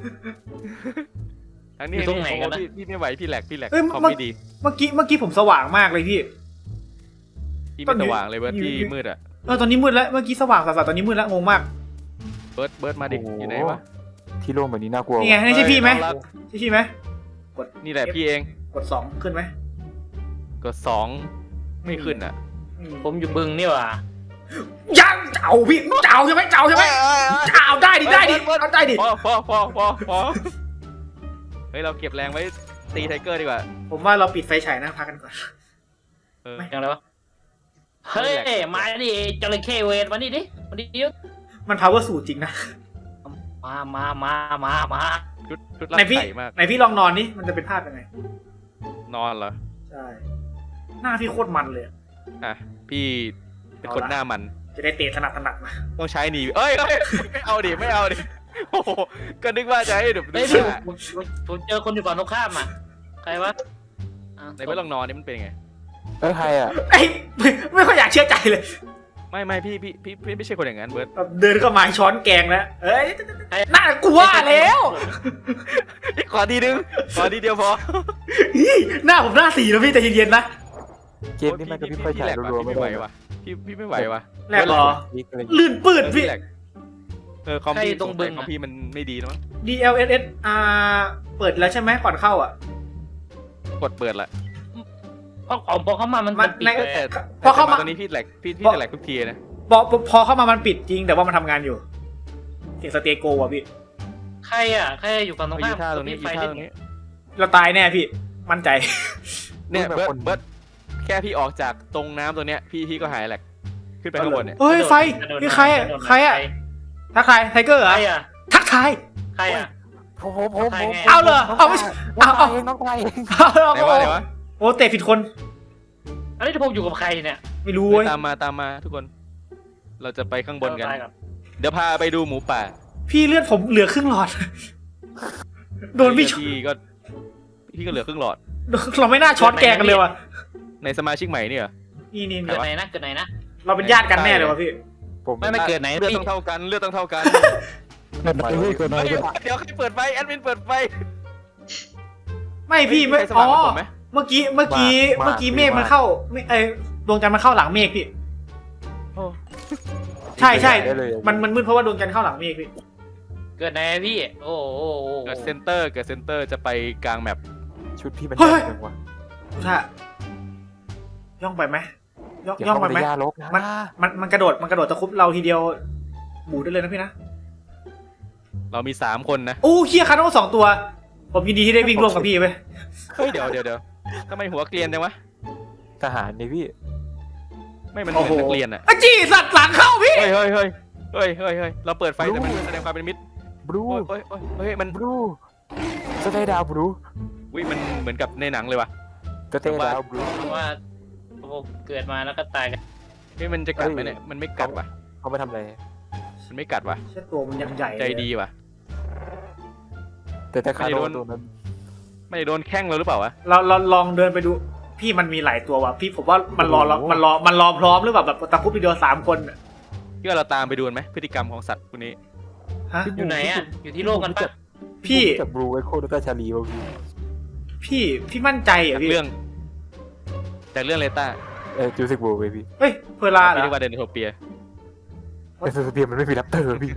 [SPEAKER 4] อันนี้
[SPEAKER 5] อยู่ตรงไหนกันนะ
[SPEAKER 4] พี่พี่ไม่ไหวพี่แหลกพี่แหลก
[SPEAKER 1] เอ้ย
[SPEAKER 4] คอม
[SPEAKER 1] มัน
[SPEAKER 4] ไม่ดี
[SPEAKER 1] เมื่อกี้เมื่อกี้ผมสว่างมากเลยพี่
[SPEAKER 4] พี่
[SPEAKER 1] ตอ
[SPEAKER 4] ไม่
[SPEAKER 1] นนี้
[SPEAKER 4] สว่างเลยเบิร์ด
[SPEAKER 1] อยู่
[SPEAKER 4] พี่
[SPEAKER 1] อยู่
[SPEAKER 4] มืดอะ
[SPEAKER 1] เออตอนนี้มืดแล้วเมื่อกี้สว่างสัสๆตอนนี้มืดแล้วงงมาก
[SPEAKER 4] เบิร์ดเบิร์ดมาดิอยู่ไหนวะ
[SPEAKER 3] ที่โล่งแบบนี้น่ากลัว
[SPEAKER 1] นี่ไงนี่ใช่พี่ไหม
[SPEAKER 4] เฮ้ยน้องรัก
[SPEAKER 1] ใช่พี่ไหม
[SPEAKER 4] นี่แหละพี่เอง
[SPEAKER 1] กดสองขึ้นไหม
[SPEAKER 4] กดสองไม่ขึ้นอ่ะ
[SPEAKER 1] อืม
[SPEAKER 5] ผมอยู่บึงนี่หว่า
[SPEAKER 1] ยังเจ้าพี่เจ้าใช่ไหมเจ้าใช่ไหมเจ้าได้ดิได้ดิเอาได้ดิ
[SPEAKER 4] พอพอพอพอพอเฮ้ยเราเก็บแรงไว้ตีไทเกอร์ดีกว่า
[SPEAKER 1] ผมว่าเราปิดไฟฉายนะพักกันก่อน
[SPEAKER 4] เออ
[SPEAKER 5] ยังไงวะเฮ้ยมาดิจระเข้เวทมานี่ดิมาดิ
[SPEAKER 1] มัน power สูตรจริงนะ
[SPEAKER 5] มามามามามา
[SPEAKER 4] ชุดชุดรัด
[SPEAKER 1] ไหนพี่
[SPEAKER 4] ไข่มาก
[SPEAKER 1] ไหนพี่ลองนอนนี่มันจะเป็นภาพยังไง
[SPEAKER 4] นอนเหรอ
[SPEAKER 1] ใช่หน้าพี่โคตรมันเลยอะ
[SPEAKER 4] อ่ะพี่เป็นคนหน้ามัน
[SPEAKER 1] จะได้เตะถนัดถนัดมา
[SPEAKER 4] ต้องใช้หนีเอ้ยเอ้ยไม่เอาดิไม่เอาดิโอ้โหก็นึกว่าจะให้ดู
[SPEAKER 5] เฮ้ย
[SPEAKER 4] ดู
[SPEAKER 5] พี่
[SPEAKER 4] ว่า
[SPEAKER 5] ผมผมผมเจอคนอยู่ฝั่งตรงข้ามอ่ะใครวะอ่ะ
[SPEAKER 4] ในเมื่อลองนอนนี่มันเป็นยังไง
[SPEAKER 3] เออใครอ่ะ
[SPEAKER 1] ไอ้ยไม่ไม่ค่อยอยากเชื่อใจเลย
[SPEAKER 4] ไม่ไม่พี่พี่พี่พี่ไม่ใช่คนอย่างนั้นเบิร์ด
[SPEAKER 1] แบบเดินเข้ามาช้อนแกงแล้วเอ้ยน่ากลัวแล้ว
[SPEAKER 4] ขอดีนึงขอดีเดียวพอ
[SPEAKER 1] อี้หน้าผมหน้าสีแล้วพี่ใจเย็นๆนะ
[SPEAKER 3] เกมนี้มันก็พี่ไฟฉายรัวๆ
[SPEAKER 4] ไม่
[SPEAKER 3] ไม่
[SPEAKER 4] ไหว
[SPEAKER 3] ได้
[SPEAKER 4] วะพี่พี่ไม่ไหววะ
[SPEAKER 1] แรกเหรอ
[SPEAKER 3] นี่อะไร
[SPEAKER 1] ลื่นปืดพี่
[SPEAKER 4] แหลกเออคอมพี่ตรงคอมพี่มันไม่ดีนะมั้ง
[SPEAKER 1] ดี แอล เอส เอส อ่าเปิดแล้วใช่ไหมก่อนเข้าอ่ะ
[SPEAKER 4] กดเปิดละ
[SPEAKER 5] เพราะของพอเข้ามามัน
[SPEAKER 1] มั
[SPEAKER 5] มัน นปิด
[SPEAKER 1] ใน
[SPEAKER 5] เลย
[SPEAKER 4] แต่
[SPEAKER 1] พอเข้ามา
[SPEAKER 4] ตอนนี้พี่แหลกพี่พี่จะแหลกทุกทีนะ
[SPEAKER 1] พอพอเข้ามามันปิดจริงแต่ว่ามันทำงานอยู่เสียงสเตโกอ่ะพี่
[SPEAKER 5] ใครอ่ะใครอยู่ฝั่งตรง
[SPEAKER 4] ยื
[SPEAKER 5] ข้าม
[SPEAKER 4] ท่าตรงนี้
[SPEAKER 5] ไฟ
[SPEAKER 4] ยืท่า
[SPEAKER 5] ที่
[SPEAKER 4] ตรงนี้
[SPEAKER 1] เราตายแน่พี่มั่นใจ
[SPEAKER 4] เนี่ยเบิร์ดเบิร์ดแค่พี่ออกจากตรงน้ำตัวเนี้ยพี่พี่ก็หายแหลกขึ้นไปข้างบนเนี่ย
[SPEAKER 1] เฮ้ยไฟนี่ใครอ่ะใครอ่ะทักทายไทเกอร์เหร
[SPEAKER 5] ใค
[SPEAKER 1] อ
[SPEAKER 5] รอ่ะ
[SPEAKER 1] ทักทาย
[SPEAKER 5] ใครอ่ะ
[SPEAKER 3] ผมผมผมผม
[SPEAKER 1] เอาเหรอเอาไม่
[SPEAKER 3] น้อง
[SPEAKER 1] เอา
[SPEAKER 3] ตายเองน้องตายเอง
[SPEAKER 1] เอา
[SPEAKER 4] ไหนวะไหนวะ
[SPEAKER 1] โอ้เตะผิดคน
[SPEAKER 5] อันนี้ผมอยู่กับใครเนี่ย
[SPEAKER 1] ไม่รู้เว้ย
[SPEAKER 4] ตามมาตามมาทุกคน เราจะไปข้างบนกัน
[SPEAKER 5] ตายก่อน
[SPEAKER 4] เดี๋ยวพาไปดูหมูป่า
[SPEAKER 1] พี่เลือดผมเหลือครึ่งหลอด โดนพี่ช็อต
[SPEAKER 4] พี่ก็พี่ก็เหลือครึ่งหลอด
[SPEAKER 1] เราไม่น่าช็อตแกกันเลยว่ะ
[SPEAKER 4] ในสมาชิกใหม่เนี่ยเหรอ
[SPEAKER 1] นี่นี่
[SPEAKER 5] เกิดไหนนะเกิดไหนนะ
[SPEAKER 1] เราเป็นญาติกันแน่เลยวะพี่
[SPEAKER 3] ผม
[SPEAKER 5] ไม่ไม่เกิดไหน
[SPEAKER 4] เลือด
[SPEAKER 5] พี่
[SPEAKER 4] ต้องเท่ากันเลือดต้องเท่ากัน
[SPEAKER 3] เกิดอะไรเกิดอะไร
[SPEAKER 4] เดี๋ยวเดี๋ยวใครเปิดไฟแอดมินเปิดไฟ
[SPEAKER 1] ไม่พี่ไม่
[SPEAKER 4] ใครส
[SPEAKER 1] อ๋
[SPEAKER 4] มั
[SPEAKER 1] อ
[SPEAKER 4] ครกับผมไหม
[SPEAKER 1] เมื่อกี้เมื่อกี้เมื่อกี้เมฆมันเข้าไม่ไอดวงจันทร์มันเข้าหลังเมฆพี่
[SPEAKER 4] โอ้
[SPEAKER 1] ใช่ใช่
[SPEAKER 3] ได้เลย
[SPEAKER 1] มันมันมืดเพราะว่าดวงจันทร์เข้าหลังเมฆพี่
[SPEAKER 5] เกิดไหนพี่ โอ้โห
[SPEAKER 4] เกิดเซนเตอร์เกิดเซนเตอร์จะไปกลางแมป
[SPEAKER 3] ชุดพี่มัน
[SPEAKER 1] เฮ้ย
[SPEAKER 3] ยากจังวะ
[SPEAKER 1] ถ้าย่องไปไหมย่อง
[SPEAKER 3] อย่า
[SPEAKER 1] ย่อง
[SPEAKER 3] เข้า
[SPEAKER 1] ไป
[SPEAKER 3] ไป
[SPEAKER 1] ไหม
[SPEAKER 3] ในยาลกนะ
[SPEAKER 1] มันมันมันกระโดดมันกระโดดตะคุบเราทีเดียวหมูได้เลยนะพี่นะ
[SPEAKER 4] เรามีสามคนนะ
[SPEAKER 1] โอ้เฮียคาโน่สองตัว ผมยินดีที่ได้วิ่งร่วมกับพี่ไป
[SPEAKER 4] เฮ้ยเดี๋ยวเดี๋ยวเดี๋ยวทำไมหัวเกลียนจังวะ
[SPEAKER 3] ทหารนี่พี่
[SPEAKER 4] ไม่มันเหมือนนักเรียนอะ
[SPEAKER 1] อะจี้สัตว์หลังเข้าพี่
[SPEAKER 4] เฮ้ยเฮ้ยเฮ้ยเฮ้ยเฮ้ยเฮ้ยเราเปิดไฟแต่มันแสดงความเป็นมิตร
[SPEAKER 3] บลู
[SPEAKER 4] โอ้ยโอ้ยโอ้ยเฮ้ยมัน
[SPEAKER 3] บลูสเตย์ดาวบลู
[SPEAKER 4] วิมันเหมือนกับในหนังเลยว่ะ
[SPEAKER 3] สเตย์ดาวบลู
[SPEAKER 5] เพราะว่าผมเกิดมาแล้วก็ตายกัน
[SPEAKER 4] เฮ้ยมันจะกัดไหมเนี่ยมันไม่กัดว่ะ
[SPEAKER 3] เขาไปทำอะไร
[SPEAKER 4] มันไม่กัดว่ะ
[SPEAKER 1] เช่ตัวมันยังใหญ่
[SPEAKER 4] ใจดีว่ะ
[SPEAKER 3] แต่แต่คา
[SPEAKER 4] ไม่
[SPEAKER 3] โด
[SPEAKER 4] โด
[SPEAKER 3] น
[SPEAKER 4] น
[SPEAKER 3] ตัวนั้น
[SPEAKER 4] ไม่ได้โดนแข้งเราหรือเปล่าวะ
[SPEAKER 1] เราเราลองเดินไปดู พี่มันมีหลายตัวว่ะพี่ผมว่ามันรอเรามันรอมันรอพร้อมหรือเปล่าแบบตะคุบทีเดียวสามคนอะ
[SPEAKER 4] พี่ว่าเราตามไปดูไหมพฤติกรรมของสัตว์พวกนี้
[SPEAKER 1] ฮะ
[SPEAKER 5] อยู่ไหนอ่ะ อยู่ที่โลกกันปะ
[SPEAKER 1] พี่
[SPEAKER 3] จากบลูไอโคดต้าชาลีวะพี่
[SPEAKER 1] พี่พี่มั่นใจเหร
[SPEAKER 4] จา
[SPEAKER 1] อก พี่
[SPEAKER 4] เรื่อง จากเรื่องเลต้า
[SPEAKER 3] เออจูสิกบลูไปพี่
[SPEAKER 1] เฮ้ยเพอร์ลาเหร
[SPEAKER 4] พี่
[SPEAKER 1] อ
[SPEAKER 4] เรียกว่าเดนโทเปีย
[SPEAKER 3] แต่สเปียร์มันไม่มีแรปเตอร์พี่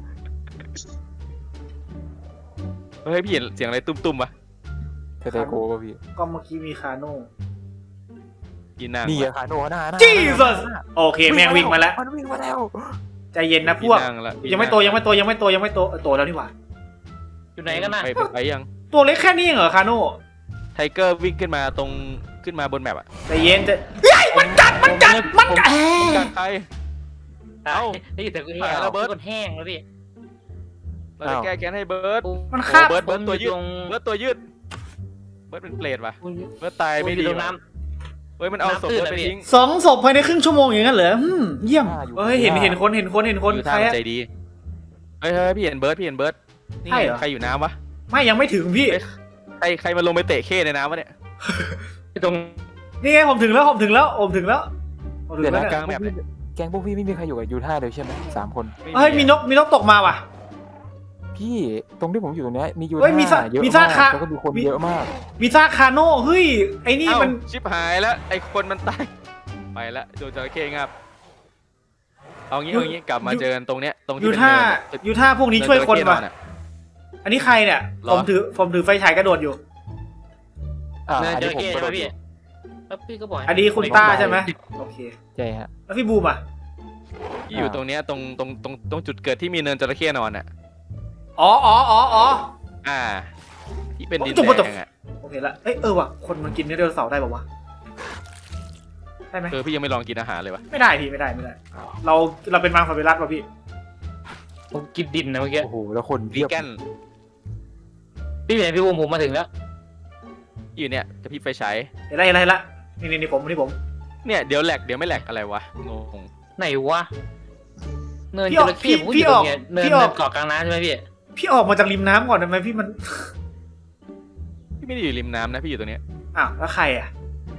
[SPEAKER 4] เฮ้ยพี่เห็นเสียงอะไรตุ้มๆวะ
[SPEAKER 3] แต่แต่โกวะพี่
[SPEAKER 1] ก็เมื่อกี้มีคาโน่
[SPEAKER 4] ยีนาง
[SPEAKER 3] นี่
[SPEAKER 4] วะ
[SPEAKER 3] อะคาโนหน้าหน้า
[SPEAKER 1] Jesus โอเคแม่งวิ่งมาแล้ว
[SPEAKER 3] มันวิ่งมาแล้ว
[SPEAKER 1] ใจเย็นนะพวก
[SPEAKER 4] ยีนางละ
[SPEAKER 1] ยังไม่โตยังไม่โตยังไม่โตยังไม่โตเออโตแล้วนี่หว่า
[SPEAKER 5] อยู่ไหนกันนะ
[SPEAKER 4] ไปไปไปยัง
[SPEAKER 1] ตัวเล็กแค่นี้เองเหรอคาโน่
[SPEAKER 4] ไทเกอร์วิ่งขึ้นมาตรงขึ้นมาบนแมปอะ
[SPEAKER 1] ใจเย็นจะเฮ้ยมันกัดมันกัดมันกัด
[SPEAKER 4] การใคร
[SPEAKER 5] เอ้านี่แต่กูแห้ง
[SPEAKER 4] ไปแล้วเบิร์ต
[SPEAKER 5] คนแห้งแล้วพี่
[SPEAKER 4] เราจะแก้แค้นให้เบิร์ด
[SPEAKER 1] มัน
[SPEAKER 4] โอ้
[SPEAKER 1] คาบ
[SPEAKER 4] เบิร์ดเบิร์ดตัวยืด
[SPEAKER 5] ตรง
[SPEAKER 4] เบิร์ดตัวยืดเบิร์ดเป็นเปรตว่ะ
[SPEAKER 5] คุณ
[SPEAKER 4] เบิร์ดตายไม่ดี
[SPEAKER 5] ตรง
[SPEAKER 4] ว่ะ
[SPEAKER 5] น้
[SPEAKER 4] เฮ้ยมันเอาศพ
[SPEAKER 5] น้ำตื้น
[SPEAKER 4] เบิร์ดไป
[SPEAKER 5] อะพี่
[SPEAKER 4] ทิ้ง
[SPEAKER 1] สองศพภายในครึ่งชั่วโมงอย่างนั้นเหรออืมเยี่ยมเฮ้ยเห็นเห็นคนเห็นคนเห็นคน
[SPEAKER 4] อยู่
[SPEAKER 1] ใคร
[SPEAKER 4] ท่ามัน
[SPEAKER 1] อะ
[SPEAKER 4] ใจดีเฮ้ยเฮ้ยพี่เห็นเบิร์ดพี่เห็นเบิร์ดนี่
[SPEAKER 1] ใช่
[SPEAKER 4] ไง
[SPEAKER 1] เหรอ
[SPEAKER 4] ใครอยู่น้ำวะ
[SPEAKER 1] ไม่ยังไม่ถึงพี่
[SPEAKER 4] ใครใครมาลงไปเตะเข้ในน้ำวะเนี่ย
[SPEAKER 5] ำตรง
[SPEAKER 1] นี่ไงผมถึงแล้วผมถึงแล้วผมถึงแล้วผมถึง
[SPEAKER 3] เดี๋ยว
[SPEAKER 1] แล้ว
[SPEAKER 3] นะ
[SPEAKER 1] เนี่ย
[SPEAKER 4] กลางแบบเนี่ย
[SPEAKER 3] แก๊งพวกพี่ไม่มีใครอยู่กับยูท่าเลยใช่ไหมสามคน
[SPEAKER 1] เฮ้ยมีนกมีนกตกมาว่ะ
[SPEAKER 3] พี่ตรงที่ผมอยู่ตรงเนี้ยมียู
[SPEAKER 1] เฮ้ยมีซะ
[SPEAKER 3] ท่าเยอะ
[SPEAKER 1] มี
[SPEAKER 3] มา
[SPEAKER 1] ซาก คา
[SPEAKER 3] แล้วก็มีคน
[SPEAKER 1] มี
[SPEAKER 3] เยอะมาก
[SPEAKER 1] มีซากคาโน่เฮ้ยไอ้นี่
[SPEAKER 4] เอ้า
[SPEAKER 1] มัน
[SPEAKER 4] ชิบหายแล้วไอ้คนมันตายไปแล้วโดนจระเข้งับเอางี้เอางี้กลับมาเจอกันตรงเนี้ยตรงที่
[SPEAKER 1] ยู
[SPEAKER 4] เป็น
[SPEAKER 1] ท่า
[SPEAKER 4] เนิน
[SPEAKER 1] ยูท่าพวกนี้ช่วยคน
[SPEAKER 4] เจระเข้
[SPEAKER 1] ว่ะ
[SPEAKER 4] ออะ
[SPEAKER 1] อันนี้ใครเนี่ย
[SPEAKER 4] หร
[SPEAKER 1] ผ
[SPEAKER 4] อ
[SPEAKER 1] มถือผมถือไฟฉายกระโดดอยู่
[SPEAKER 3] อ่า
[SPEAKER 5] เนิน
[SPEAKER 3] อัน
[SPEAKER 5] จ
[SPEAKER 3] นี้
[SPEAKER 5] ระ
[SPEAKER 3] ผม
[SPEAKER 5] เข้
[SPEAKER 3] ก็
[SPEAKER 5] ใช่
[SPEAKER 3] โด
[SPEAKER 5] ไหม
[SPEAKER 3] น
[SPEAKER 5] พี่แล้วพี่ก็บอกให้
[SPEAKER 1] อันนี้คุณต้าใช่ไหมโอเค
[SPEAKER 3] ใช่ฮะ
[SPEAKER 1] แล้วพี่บูมอ่ะ
[SPEAKER 4] ที่อยู่ตรงเนี้ยตรงตรงตรงตรงจุดเกิดที่มีเนินจระเข้นอนอ่ะ
[SPEAKER 1] อ๋ออ๋ออ๋ออ๋อ
[SPEAKER 4] อ่า ที่เป็นดิน
[SPEAKER 1] โอ้
[SPEAKER 4] แด
[SPEAKER 1] จบ
[SPEAKER 4] งอ่ะ
[SPEAKER 1] โอเคละเอ้ยเออว่ะคนมันกินเนื้อไดโนเสาร์ได้ป่าวะได้ไหม
[SPEAKER 4] เออพี่ยังไม่ลองกินอาหารเลยวะ
[SPEAKER 1] ไม่ได้พี่ไม่ได้ไม่ได้ เราเราเป็นมังสวิรัตป่ะพี่
[SPEAKER 5] ผมกินดินนะเมื่อกี้
[SPEAKER 3] โอ้โหแล้วคน
[SPEAKER 4] วี
[SPEAKER 3] เพียบ
[SPEAKER 4] แกน
[SPEAKER 5] พี่เป็นพี่บูมผมมาถึงแล้ว
[SPEAKER 4] อยู่เนี่ยจะพี่ไฟฉาย
[SPEAKER 1] เห็นไรเห็นไรละนี่นี่นี่ผมนี่ผม
[SPEAKER 4] เนี่ยเดี๋ยวแหลกเดี๋ยวไม่แหลกอะไรวะงง
[SPEAKER 5] ไหนวะเนิน
[SPEAKER 1] พี่
[SPEAKER 5] จ
[SPEAKER 1] ออก
[SPEAKER 5] ระเข้
[SPEAKER 1] พี่
[SPEAKER 5] ผมก็อ
[SPEAKER 1] พี่
[SPEAKER 5] ยู่
[SPEAKER 1] อ
[SPEAKER 5] ตร
[SPEAKER 1] อก
[SPEAKER 5] งเนี้ยเนิน
[SPEAKER 1] พี่อ
[SPEAKER 5] เนิ
[SPEAKER 1] อก
[SPEAKER 5] นเกาะกลางน้ำใช่ไหมพี่
[SPEAKER 1] พี่ออกมาจากริมน้ำก่อนได้ไหมพี่มัน
[SPEAKER 4] พี่ไม่ได้อยู่ริมน้ำนะพี่อยู่ตรงเนี้ย
[SPEAKER 1] อ้าวแล้วใครอ่ะ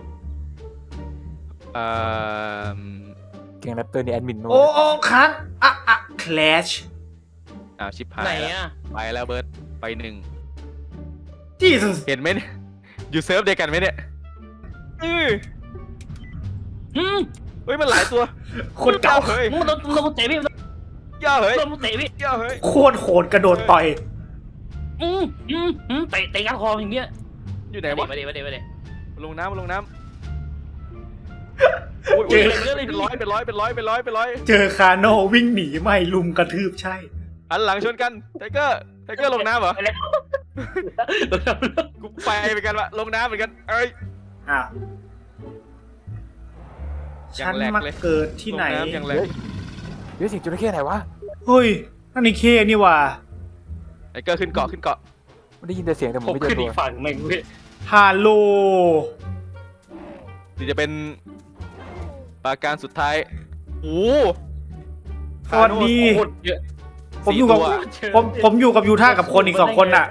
[SPEAKER 4] เอ่อ
[SPEAKER 3] แก๊งแรปเตอร์นี่แอดมินโน้
[SPEAKER 1] โอ้โอ้ค้างอ่ะอ่ะ clash
[SPEAKER 4] อ้าวชิบหาย
[SPEAKER 5] ไหน
[SPEAKER 4] แล้ว
[SPEAKER 5] อ่ะ
[SPEAKER 4] ไปแล้วเบิร์ดไปหนึ่ง
[SPEAKER 1] Jesus
[SPEAKER 4] เห็นไหมเนี่ยอยู่เซิร์ฟเดียวกันไหมเนี่ยอื้อ
[SPEAKER 5] อืม
[SPEAKER 4] เฮ้ยมันหลายตัว
[SPEAKER 1] โคตรเก่า
[SPEAKER 4] เฮ้ย
[SPEAKER 5] มึงโดนโดนเตะพี่
[SPEAKER 4] ย่าเฮ้ย
[SPEAKER 5] โดนเตะพี่
[SPEAKER 4] ย่าเฮ้ย
[SPEAKER 1] โคตรโหดกระโดดต่อย
[SPEAKER 5] อืมอืมอืมเตะเตะก้านคออย่างเงี้ย
[SPEAKER 4] อยู่ไหนวะ
[SPEAKER 5] มาดิมาดิมาดิ
[SPEAKER 4] ลงน้ำลงน้ำโอ้ยโอ้ยเป็นร้อยเป็นร้อยเป็นร้อยเป็นร้อยเป็นร้อย
[SPEAKER 1] เจอคาโน่วิ่งหนีไม่ลุมกระทืบใช่
[SPEAKER 4] หันหลังชนกันไทเกอร์ไทเกอร์ลงน้ำเหรอ
[SPEAKER 5] ไปแล้ว
[SPEAKER 4] กูไปเหมือนกันวะลงน้ำเหมือนกันเอ้ย
[SPEAKER 1] อ้าว
[SPEAKER 4] อย่า
[SPEAKER 1] ฉั
[SPEAKER 4] ง
[SPEAKER 1] น
[SPEAKER 4] แรก
[SPEAKER 1] มา
[SPEAKER 4] เลย
[SPEAKER 1] เกิดที่ไหน
[SPEAKER 4] ลงน้ำอย่างแร
[SPEAKER 3] เฮ้
[SPEAKER 4] ง
[SPEAKER 3] ยเฮ้ยสิงจระเข้ไหนวะ
[SPEAKER 1] เฮ้ยนั่นไอ้เคนี่ว่ะ
[SPEAKER 4] ไอ้เกอร์ขึ้นเกาะขึ้นเกาะ
[SPEAKER 3] ไม่ได้ยินแต่เสียงแต่ผม
[SPEAKER 5] ผม
[SPEAKER 3] ไม่เจอ
[SPEAKER 5] ขึ้น
[SPEAKER 3] ตั
[SPEAKER 5] อี
[SPEAKER 3] ว
[SPEAKER 5] กฝั่งหนึ่งเว้ย
[SPEAKER 1] ฮัลโหล
[SPEAKER 4] หรือจะเป็นปราการสุดท้ายโอ้
[SPEAKER 1] สวัสดี
[SPEAKER 5] โคตรเยอะ
[SPEAKER 1] ผมอยู่กับ
[SPEAKER 4] สี่ตัว
[SPEAKER 1] ผมผมอยู่กับยูท่ากับคนอีกสองคนน่ะ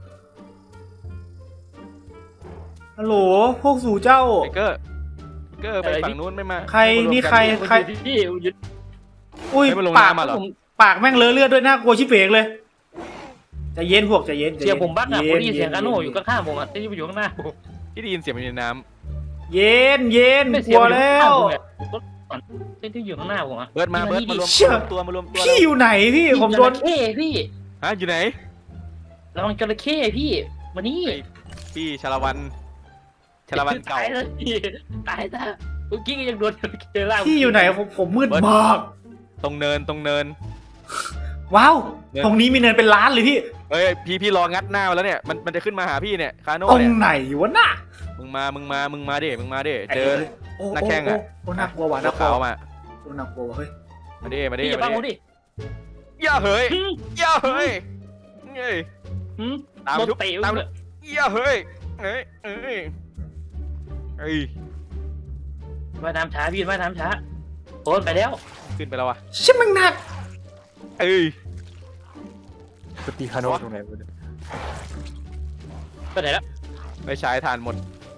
[SPEAKER 1] ฮัลโหลพวกสู่เจ้า
[SPEAKER 4] ไอ้เกอร์ไอ้เกอร์ไปฝั่งนู้นไม่มา
[SPEAKER 1] ใคร
[SPEAKER 4] ไม่มารวม
[SPEAKER 1] นี่
[SPEAKER 4] กั
[SPEAKER 1] ใคร
[SPEAKER 5] ใครที่หยุด
[SPEAKER 1] อุ้ย
[SPEAKER 4] ไม่มาลง
[SPEAKER 1] ปาก
[SPEAKER 4] น้ำมาเหรอ
[SPEAKER 5] ผม
[SPEAKER 1] ปากแม่งเลอะเลือดด้วยน่ากลัวชิบเปกเลยใจะเย็นพวกใจะเย็นใจ
[SPEAKER 5] เสีย
[SPEAKER 1] น
[SPEAKER 5] งผมบักอะผมได้ยินเสียง
[SPEAKER 1] ย็
[SPEAKER 5] กาโน่อยู่ข้างๆผมอะที่อยู่ข้างหน้าผม
[SPEAKER 4] ที่ได้ยินเสียงมันอยู่ในน้
[SPEAKER 1] เย็นเย็น
[SPEAKER 5] ไม่
[SPEAKER 1] ก
[SPEAKER 5] เสีย
[SPEAKER 1] ลั
[SPEAKER 5] ง
[SPEAKER 1] ว
[SPEAKER 5] มันอยู่
[SPEAKER 1] แล้
[SPEAKER 5] ข้างๆ
[SPEAKER 1] ว
[SPEAKER 5] ผมอะที่ที่อยู่ข้างหน้าผมอะ
[SPEAKER 4] ำเบิร์ดมาเบิร์ดมารวม
[SPEAKER 1] เชี่ย
[SPEAKER 4] ตัวมารวมตัว
[SPEAKER 1] พี่อยู่ไหนพี่ผมโดน
[SPEAKER 5] จระเข้พี่
[SPEAKER 4] ฮะอยู่ไหน
[SPEAKER 5] ระวังจระเข้พี่มานี่
[SPEAKER 4] ไอ้พี่ชาละวันชาละวันเก่า
[SPEAKER 5] ตายแล้วพี่ตายแล้วเมื่อกี้ก็ยังโดนจระเข้ล่า
[SPEAKER 1] พี่อยู่ไหนผมผมมืด
[SPEAKER 4] เบิร์ด
[SPEAKER 1] มาก
[SPEAKER 4] ตรงเนินตรงเนิน
[SPEAKER 1] ว้าว
[SPEAKER 4] เนี่ย
[SPEAKER 1] ตรงนี้มีเนินเป็นล้านเลยพี่
[SPEAKER 4] เฮ้ยพี่พี่รองัดหน้ามาแล้วเนี่ยมันมันจะขึ้นมาหาพี่เนี่ยคาโน่
[SPEAKER 1] ตรง
[SPEAKER 4] เนี่ย
[SPEAKER 1] ไหนวะน่ะ
[SPEAKER 4] มึงมามึงมามึงมาดิมึงมาดิเจอ
[SPEAKER 1] โอ้
[SPEAKER 4] นักแข่งอะ
[SPEAKER 1] โโโอ้น่ากลัวว่ะ
[SPEAKER 4] ตั
[SPEAKER 1] น่าว กลั
[SPEAKER 4] ขาว
[SPEAKER 1] ว
[SPEAKER 4] มา
[SPEAKER 1] โอ้น่ากลัวว่ะเฮ้ย
[SPEAKER 4] มาดิมาดิ
[SPEAKER 5] พี่อย่า
[SPEAKER 4] มา
[SPEAKER 5] บังผม
[SPEAKER 4] ดิ
[SPEAKER 5] ดิ
[SPEAKER 4] อย่าเฮ้ย
[SPEAKER 5] หืม
[SPEAKER 4] อย่าเฮ้ยเฮ้ย
[SPEAKER 5] หืม
[SPEAKER 4] ตาม
[SPEAKER 5] โดน
[SPEAKER 4] ทุบ
[SPEAKER 5] เตะ
[SPEAKER 4] ตาม
[SPEAKER 5] เลย
[SPEAKER 4] อย่าเฮ้ยเฮ้ยเฮ้ยเฮ้ย
[SPEAKER 5] ว่ายน้ำช้าพี่ว่ายน้ำช้าโอนไปแล้ว
[SPEAKER 4] ขึ้นไปแล้ววะ
[SPEAKER 1] ชิบมันหนัก
[SPEAKER 4] เอ้ย
[SPEAKER 3] สตีคาโน่ตรงไหนวะเนี่ย
[SPEAKER 5] ไปไหนแล้ว
[SPEAKER 4] ไปฉายทานหมด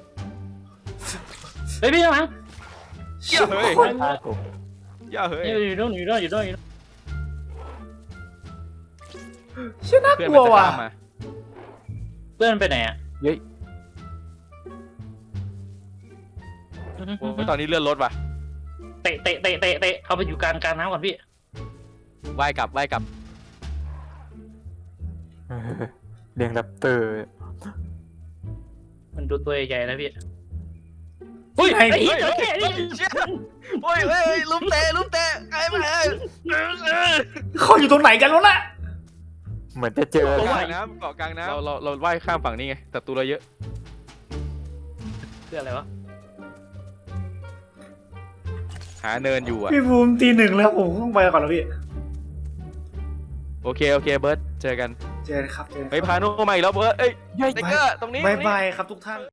[SPEAKER 5] เฮ้ยพี่ข้างหลัง
[SPEAKER 4] อย่าเฮ้ย
[SPEAKER 1] โคตร
[SPEAKER 3] ฆ่าผม
[SPEAKER 4] อย่าเฮ้ย
[SPEAKER 5] อยู่โน่นอยู่โน่นอยู่โน่นอยู่โน่น
[SPEAKER 1] ชิบน่า
[SPEAKER 4] เพื่อน
[SPEAKER 1] ก
[SPEAKER 4] มั
[SPEAKER 1] ลั
[SPEAKER 4] น
[SPEAKER 1] ว
[SPEAKER 4] จะ
[SPEAKER 1] ว่ะ
[SPEAKER 4] ตามมา
[SPEAKER 5] เพื่อนมันไปไหนอ่ะ
[SPEAKER 3] เย้ย
[SPEAKER 4] โอ้ยตอนนี้เลื่อนรถว่ะ
[SPEAKER 5] เตะเตะเตะเตะเตะเข้าไปอยู่กลางกลางน้ำก่อนพี่
[SPEAKER 4] ว่ายกลับว่ายกลับ
[SPEAKER 3] เออเลี้ยงแรปเตอร์
[SPEAKER 5] มันดูตัวใหญ่ๆนะพี่เฮ้ย
[SPEAKER 1] ไอ้
[SPEAKER 5] ไอ้เหี้ยจระเข้นี่
[SPEAKER 4] โอ้ยเฮ้ยลุมเตะลุมเตะไอ้แม่
[SPEAKER 1] เขาอยู่ตรงไหนกันวะน่ะ
[SPEAKER 3] เหมือนจะเจอ
[SPEAKER 4] เกาะกลางน้ำเกาะกลางน้ำเราเราเราว่ายข้ามฝั่งนี้ไงแต่ตัวเราเยอะ
[SPEAKER 5] คืออะไรวะ
[SPEAKER 4] หาเนินอยู่อ่ะ
[SPEAKER 1] พี่ภูมิตีหนึ่งแล้วผมต้องไปก่อนแล้วพี่
[SPEAKER 4] โอเคโอเคเบิร์ดเจอกัน
[SPEAKER 1] เจอกันครับเจอกัน
[SPEAKER 4] ไปพาโนมาอีกแล้วเบิร์ดเอ้ย
[SPEAKER 3] เย้ย
[SPEAKER 4] เด็กเกอร์ตรงนี้
[SPEAKER 1] บาย
[SPEAKER 4] ตรงนี้
[SPEAKER 1] บายครับทุกท่าน